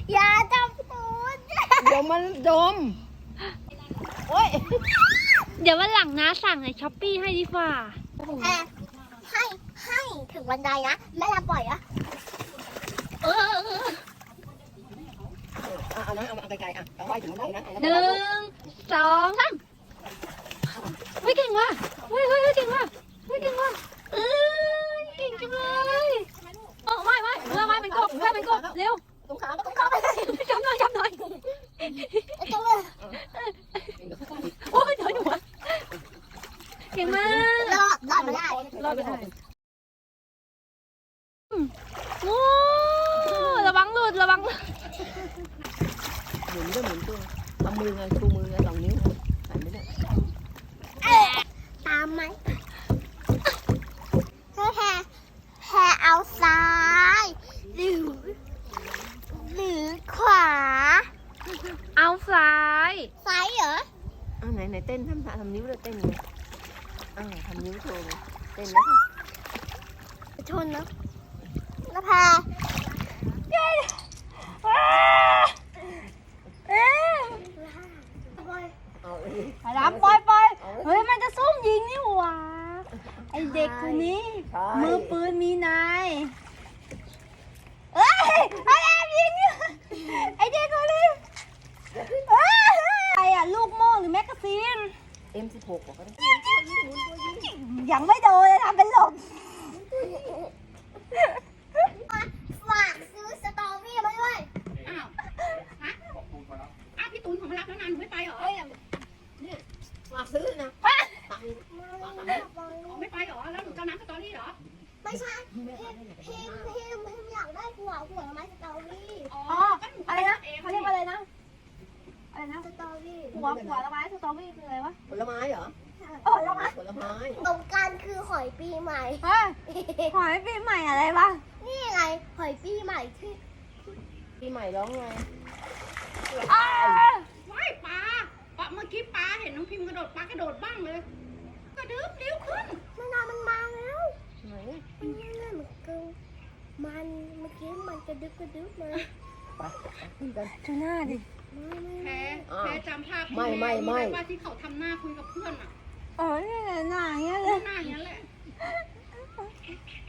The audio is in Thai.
อย่าจับตูดเดี๋ยวมันดมโอ้ยเดี๋ยววันหลังนะสั่งในช้อปปี้ให้ดีกว่าให้ถึงบันไดนะแม่จะปล่อยอะเอานะเอาไกลๆเอาไว้ถึงได้นะ 1 2 3เฮ้ยเก่งว่ะเฮ้ยเก่งว่ะเฮ้ยเก่งว่ะเก่งจังเลยไม่เพื่อเป็นกบเร็วตรงขาก็ต้องเข้าไปจับหน่อยจังเลยโอ้ยเดี๋ยวหนูเก่งมากรอดมาได้รอดไปได้โอ้ระวังหลุดหมุนด้วยหมุนตัวทำมือไงชูมือไง2 นิ้วใส่ไม่ได้ตามไหมแพรเอาซ้ายหรือขวาเอาซ้ายซ้ายเหรอไหนเต้นทำนิ้วเลยเต้นเลยทำนิ้วโชว์เลยเต้นนะชนนะแล้วแพรเอาเลยไปรับปล่อยเฮ้ยมันจะซุ่มยิงนี่หว่าไอเด็กคนนี้มือปืนมีนายไอแอบยิงไอเด็กคนนี้ไออะลูกโม่หรือแมกกาซีน M16 บอกก็ได้ยังไม่โดนเลยทำเป็นหลบฝากซื้อสตอรี่มาด้วยพี่ตูนของมารับแล้วนานหนูไม่ไปเหรอฝากซื้อนะไม่ไปเหรอ แล้วหนูจะน้ำสตอรี่เหรอไม่ใช่พิมอยากได้หัวไม้สตอรี่อ๋ออะไรนะเขาเรียกว่าอะไรนะสตอรี่หัวละไม้สตรอเบอรี่คืออะไรวะผลไม้เหรอแล้วนะผลไม้ตรงกันคือหอยปีใหม่เฮ้ยหอยปีใหม่อะไรวะนี่ไงหอยปีใหม่ที่ปีใหม่ร้องไงว้ายปลาเมื่อกี้ปลาเห็นน้องพิมพ์กระโดดปลากระโดดบ้างเลย กระดึ๊บเร็วขึ้นมันมาแล้วไหนมันเนี่ยเหมือนกันมันเมื่อกี้มันกระดึ๊บเลยไปขึ้นกันดูหน้าดิแพ้จำภาพไม่ว่าที่เขาทำหน้าคุยกับเพื่อนอ่ะอ๋อนี่หน้าอย่างเงี้ยเลยหน้าอย่างนั้นแหละ